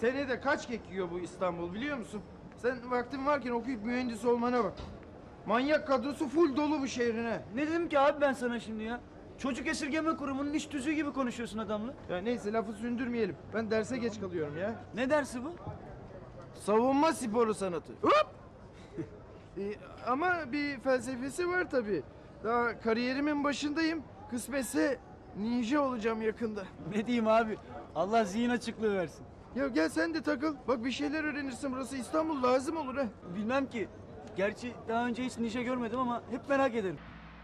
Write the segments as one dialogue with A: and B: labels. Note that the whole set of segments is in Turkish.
A: Senede kaç kek yiyor bu İstanbul biliyor musun? Sen vaktin varken okuyup mühendis olmana bak. Manyak kadrosu full dolu bu şehrine.
B: Ne dedim ki abi ben sana şimdi ya? Çocuk esirgeme kurumunun iş tüzüğü gibi konuşuyorsun adamla.
A: Ya neyse lafı sündürmeyelim. Ben derse geç kalıyorum ya.
B: Ne dersi bu?
A: Savunma sporu sanatı. Hop! Ama bir felsefesi var tabii. Daha kariyerimin başındayım. Kısmetse ninja olacağım yakında.
B: Ne diyeyim abi? Allah zihin açıklığı versin.
A: Ya gel sen de takıl. Bak bir şeyler öğrenirsin. Burası İstanbul lazım olur ha.
B: Bilmem ki. Gerçi daha önce hiç ninja görmedim ama hep merak ederim.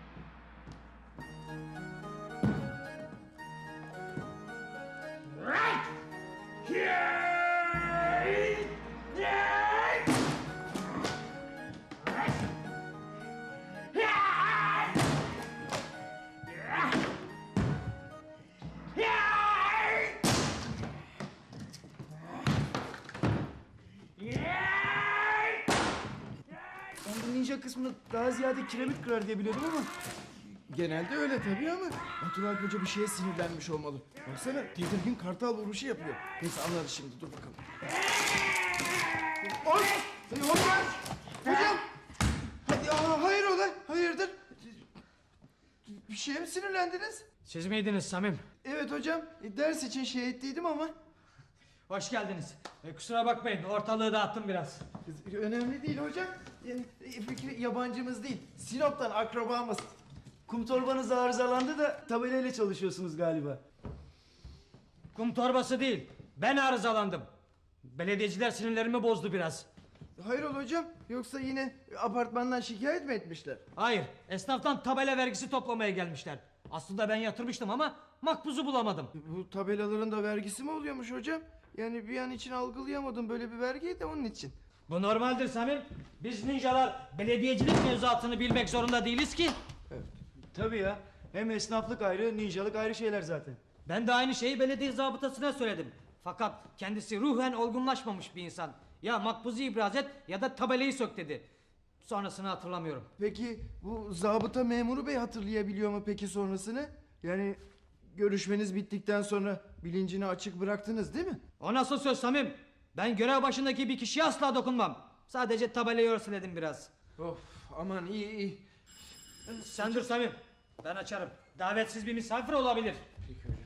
B: Ben bu ninja kısmını daha ziyade kiremit kırar diye biliyordum ama...
A: Genelde öyle tabii ama Batural Hoca bir şeye sinirlenmiş olmalı. Baksana tedirgin kartal vuruşu yapıyor. Neyse anlarız şimdi dur bakalım. Oy! Hocam! Hocam! Hadi, hayrola? Hayırdır? Bir şeye mi sinirlendiniz?
C: Siz miydiniz Samim?
A: Evet hocam. Ders için şey ettiydim ama.
C: Hoş geldiniz. Kusura bakmayın, ortalığı dağıttım biraz.
A: Önemli değil hocam. Fikri yabancımız değil. Sinop'tan akrabamız.
B: Kum torbanız arızalandı da tabelayla çalışıyorsunuz galiba.
C: Kum torbası değil, ben arızalandım. Belediyeciler sinirlerimi bozdu biraz.
A: Hayrola hocam? Yoksa yine apartmandan şikayet mi etmişler?
C: Hayır, esnaftan tabela vergisi toplamaya gelmişler. Aslında ben yatırmıştım ama makbuzu bulamadım.
A: Bu tabelaların da vergisi mi oluyormuş hocam? Yani bir an için algılayamadım böyle bir vergiyi de onun için.
C: Bu normaldir Samim. Biz ninjalar belediyecilik mevzuatını bilmek zorunda değiliz ki.
B: Tabii ya. Hem esnaflık ayrı, ninjalık ayrı şeyler zaten.
C: Ben de aynı şeyi belediye zabıtasına söyledim. Fakat kendisi ruhen olgunlaşmamış bir insan. Ya makbuzu ibraz et ya da tabelayı sök dedi. Sonrasını hatırlamıyorum.
A: Peki bu zabıta memuru bey hatırlayabiliyor mu peki sonrasını? Yani görüşmeniz bittikten sonra bilincini açık bıraktınız değil mi?
C: O nasıl söz Samim? Ben görev başındaki bir kişiye asla dokunmam. Sadece tabelayı örseledim biraz.
A: Of aman iyi.
C: Sen dur Samim. Ben açarım. Davetsiz bir misafir olabilir.
A: Peki hocam.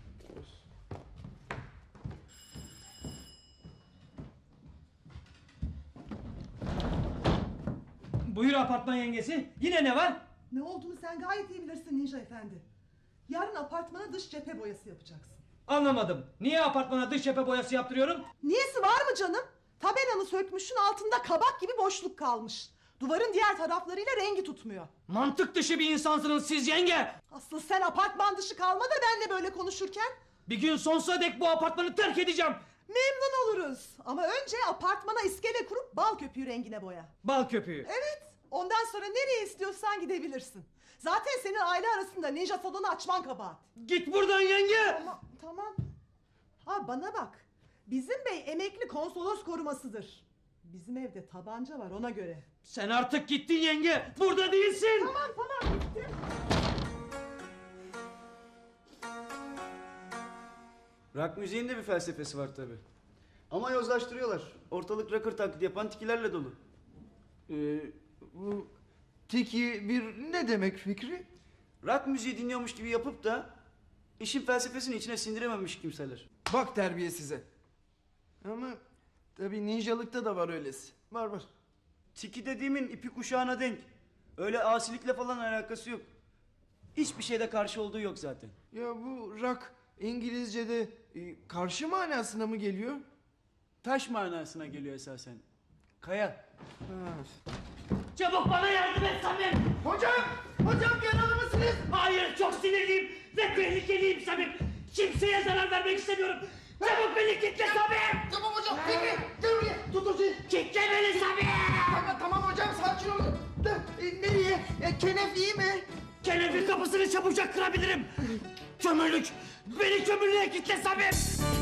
C: Buyur apartman yengesi. Yine ne var?
D: Ne olduğunu sen gayet iyi bilirsin Ninja Efendi. Yarın apartmana dış cephe boyası yapacaksın.
C: Anlamadım. Niye apartmana dış cephe boyası yaptırıyorum?
D: Niyesi var mı canım? Tabelanı sökmüşsün, altında kabak gibi boşluk kalmış. Duvarın diğer taraflarıyla rengi tutmuyor.
C: Mantık dışı bir insansınız siz yenge.
D: Asıl sen apartman dışı kalma da benle böyle konuşurken.
C: Bir gün sonsuza dek bu apartmanı terk edeceğim.
D: Memnun oluruz. Ama önce apartmana iskele kurup bal köpüğü rengine boya.
C: Bal köpüğü.
D: Evet. Ondan sonra nereye istiyorsan gidebilirsin. Zaten senin aile arasında ninja salonu açman kabahat.
C: Git buradan yenge.
D: Tamam. Ha bana bak. Bizim bey emekli konsolos korumasıdır. Bizim evde tabanca var ona göre.
C: Sen artık gittin yenge. Burada değilsin.
D: Tamam gittim.
B: Rock müziğin de bir felsefesi var tabii. Ama yozlaştırıyorlar. Ortalık rocker taklidi yapan tikilerle dolu.
A: Bu tiki bir ne demek Fikri?
B: Rock müziği dinliyormuş gibi yapıp da işin felsefesini içine sindirememiş kimseler.
A: Bak terbiye size. Ama tabii ninjalıkta da var öylesi. Var.
B: Tiki dediğimin ipi kuşağına denk. Öyle asilikle falan alakası yok. Hiçbir şeyde karşı olduğu yok zaten.
A: Ya bu rock İngilizce'de karşı manasına mı geliyor?
B: Taş manasına geliyor esasen. Kaya.
C: Çabuk bana yardım et Samim.
A: Hocam yaralı mısınız?
C: Hayır çok sinirliyim ve tehlikeliyim Samim. Kimseye zarar vermek istemiyorum. Çabuk beni kitle Samim.
A: Tamam hocam Fikri gel buraya tut hocayı.
C: Kitle beni Samim.
A: Tamam hocam sakin olun. Nereye? Kenef iyi mi?
C: Kenefi kapısını çabucak kırabilirim. Kömürlük. Beni kömürlüğe kitle Samim.